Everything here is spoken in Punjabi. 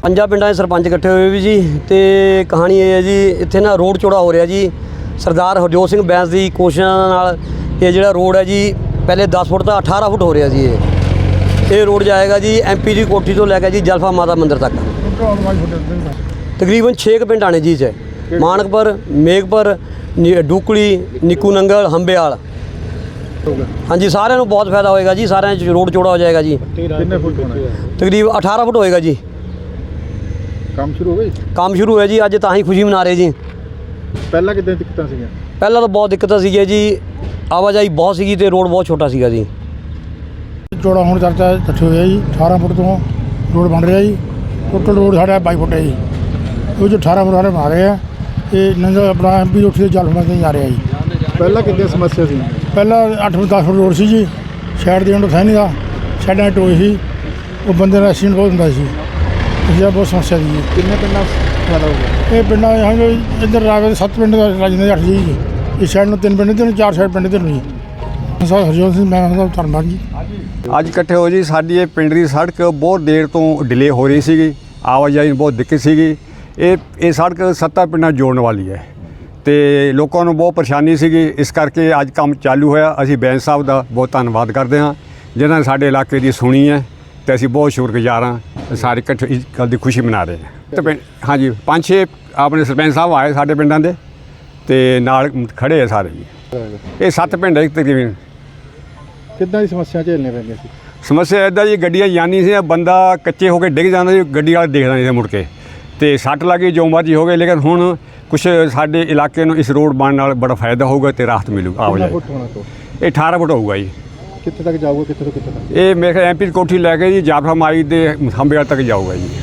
50 ਪਿੰਡਾਂ ਦੇ ਸਰਪੰਚ ਇਕੱਠੇ ਹੋਏ ਵੀ ਜੀ ਤੇ ਕਹਾਣੀ ਇਹ ਹੈ ਜੀ ਇੱਥੇ ਨਾ ਰੋਡ ਚੌੜਾ ਹੋ ਰਿਹਾ ਜੀ। ਸਰਦਾਰ ਹਰਜੋਤ ਸਿੰਘ ਬੈਂਸ ਦੀ ਕੋਸ਼ਿਸ਼ਾਂ ਨਾਲ ਇਹ ਜਿਹੜਾ ਰੋਡ ਹੈ ਜੀ ਪਹਿਲੇ 10 ਫੁੱਟ ਦਾ 18 ਫੁੱਟ ਹੋ ਰਿਹਾ ਜੀ। ਇਹ ਰੋਡ ਜਾਏਗਾ ਜੀ MP ਦੀ ਕੋਠੀ ਤੋਂ ਲੈ ਕੇ ਜੀ ਜਲਫਾ ਮਾਤਾ ਮੰਦਿਰ ਤੱਕ। ਤਕਰੀਬਨ 6 ਪਿੰਡ ਆਣੇ ਜੀ 'ਚ ਮਾਨਕਪੁਰ, ਮੇਘਪੁਰ, ਡੂਕਲੀ, ਨਿੱਕੂ ਨੰਗਲ, ਹੰਬੇਵਾਲ। ਹਾਂਜੀ, ਸਾਰਿਆਂ ਨੂੰ ਬਹੁਤ ਫਾਇਦਾ ਹੋਏਗਾ ਜੀ। ਸਾਰਿਆਂ 'ਚ ਰੋਡ ਚੌੜਾ ਹੋ ਜਾਏਗਾ ਜੀ। ਕਿੰਨੇ ਫੁੱਟ ਹੋਣਾ? ਤਕਰੀਬਨ 18 ਫੁੱਟ ਹੋਏਗਾ ਜੀ। ਕੰਮ ਸ਼ੁਰੂ ਹੋ ਗਿਆ? ਕੰਮ ਸ਼ੁਰੂ ਹੋਇਆ ਜੀ, ਅੱਜ ਤਾਂ ਹੀ ਖੁਸ਼ੀ ਮਨਾ ਰਹੇ ਜੀ। ਪਹਿਲਾਂ ਕਿੱਦਾਂ ਦਿੱਕਤਾਂ ਸੀਗੀਆਂ? ਪਹਿਲਾਂ ਤਾਂ ਬਹੁਤ ਦਿੱਕਤਾਂ ਸੀਗੀਆਂ ਜੀ, ਆਵਾਜਾਈ ਬਹੁਤ ਸੀਗੀ ਤੇ ਰੋਡ ਬਹੁਤ ਛੋਟਾ ਸੀਗਾ ਜੀ। ਚੌੜਾ ਹੋਣ ਚਰਚਾ ਇਕੱਠੇ ਹੋਇਆ ਜੀ। 18 ਫੁੱਟ ਤੋਂ ਰੋਡ ਬਣ ਰਿਹਾ ਜੀ। ਟੋਟਲ ਰੋਡ ਸਾਡਾ 22 ਫੁੱਟ ਹੈ ਜੀ। ਉਹ ਜੋ 18 ਫੁੱਟ ਵਾਲੇ ਬਣਾ ਰਹੇ ਆ ਇਹ ਨੰਗਾ ਆਪਣਾ MP ਰੋਡ ਤੇ ਜਲਫਾ ਤੇ ਜਾ ਰਿਹਾ ਜੀ। ਪਹਿਲਾਂ ਕਿੱਦਾਂ ਸਮੱਸਿਆ ਸੀ? ਪਹਿਲਾਂ 8 ਫੁੱਟ 10 ਫੁੱਟ ਰੋਡ ਸੀ ਜੀ। ਸਾਈਡ ਦੇ ਅੰਦਰ ਸਹਿਣੀ ਦਾ ਸਾਈਡਾਂ ਟੋਏ ਸੀ। ਉਹ ਬੰਦੇ ਦਾ ਐਕਸੀਡੈਂਟ ਬਹੁਤ ਹੁੰਦਾ ਸੀ। ਇਸ ਦਾ ਬਹੁਤ ਸਮੱਸਿਆ ਸੀ ਜੀ। ਕਿੰਨੇ ਪਿੰਡਾਂ ਫਾਇਦਾ ਹੋ ਗਿਆ? ਇਹ ਪਿੰਡਾਂ ਇੱਧਰ ਰਾਵੇ 7 ਪਿੰਡ ਦਾ ਰਾਜ ਦੇ 8 ਜੀ। ਇਸ ਸਾਈਡ ਨੂੰ 3 ਪਿੰਡ ਤੇ 4 ਸਾਈਡ ਪਿੰਡ ਤੇ ਨੂੰ ਜੀ। ਸਰ ਹਰਜੋਤ ਸਿੰਘ ਮੈਂ ਦਾ ਧੰਨਵਾਦ ਜੀ। ਅੱਜ ਇਕੱਠੇ ਹੋ ਜੀ। ਸਾਡੀ ਇਹ ਪਿੰਡ ਦੀ ਸੜਕ ਬਹੁਤ ਦੇਰ ਤੋਂ ਡਿਲੇ ਹੋ ਰਹੀ ਸੀਗੀ, ਆਵਾਜਾਈ ਨੂੰ ਬਹੁਤ ਦਿੱਕਤ ਸੀਗੀ। ਇਹ ਸੜਕ 7 ਪਿੰਡਾਂ ਜੋੜਨ ਵਾਲੀ ਹੈ ਤੇ ਲੋਕਾਂ ਨੂੰ ਬਹੁਤ ਪਰੇਸ਼ਾਨੀ ਸੀਗੀ। ਇਸ ਕਰਕੇ ਅੱਜ ਕੰਮ ਚਾਲੂ ਹੋਇਆ। ਅਸੀਂ ਬੈਂਸ ਸਾਹਿਬ ਦਾ ਬਹੁਤ ਧੰਨਵਾਦ ਕਰਦੇ ਹਾਂ ਜਿਨ੍ਹਾਂ ਨੇ ਸਾਡੇ ਇਲਾਕੇ ਦੀ ਸੁਣੀ ਹੈ ਤੇ ਅਸੀਂ ਬਹੁਤ ਸ਼ੁਕਰਗੁਜ਼ਾਰ ਹਾਂ। ਸਾਰੇ ਇਕੱਠੇ ਇਸ ਗੱਲ ਦੀ ਖੁਸ਼ੀ ਮਨਾ ਰਹੇ ਹਾਂ। ਤੇ ਹਾਂਜੀ 5-6 ਆਪਣੇ ਸਰਪੰਚ ਸਾਹਿਬ ਆਏ ਸਾਡੇ ਪਿੰਡਾਂ ਦੇ ਤੇ ਨਾਲ ਖੜੇ ਆ ਸਾਰੇ ਜੀ। ਇਹ 7 ਪਿੰਡ ਹੈ ਤਕਰੀਬਨ। ਕਿੱਦਾਂ ਦੀ ਸਮੱਸਿਆ ਝੇਲਣੇ ਪੈਂਦੀਆਂ ਸੀ? ਸਮੱਸਿਆ ਇੱਦਾਂ ਜੀ, ਗੱਡੀਆਂ ਜਾਣੀ ਸੀ, ਬੰਦਾ ਕੱਚੇ ਹੋ ਕੇ ਡਿੱਗ ਜਾਂਦਾ ਸੀ, ਗੱਡੀ ਵਾਲਾ ਦੇਖਦਾ ਨਹੀਂ ਸੀ ਮੁੜ ਕੇ ਤੇ ਸੱਟ ਲੱਗੀ ਜੋ ਮਰਜ਼ੀ ਹੋ ਗਏ। ਲੇਕਿਨ ਹੁਣ ਕੁਛ ਸਾਡੇ ਇਲਾਕੇ ਨੂੰ ਇਸ ਰੋਡ ਬਣਨ ਨਾਲ ਬੜਾ ਫਾਇਦਾ ਹੋਊਗਾ ਤੇ ਰਾਹਤ ਮਿਲੂਗਾ ਆਵਾਜਾਈ। ਫੁੱਟ ਹੋਣਾ ਤੋਂ ਇਹ 18 ਫੁੱਟ ਹੋਊਗਾ ਜੀ। ਕਿੱਥੇ ਤੱਕ ਜਾਊਗਾ? ਕਿੱਥੇ ਤੋਂ ਕਿੱਥੇ ਤੱਕ? ਇਹ ਮੇਰੇ ਖਿਆਲ MP ਦੀ ਕੋਠੀ ਲੈ ਕੇ ਜੀ ਜਾਫਰਾ ਮਾਈ ਦੇ ਹੰਬੇਵਾਲ ਤੱਕ ਜਾਊਗਾ ਜੀ।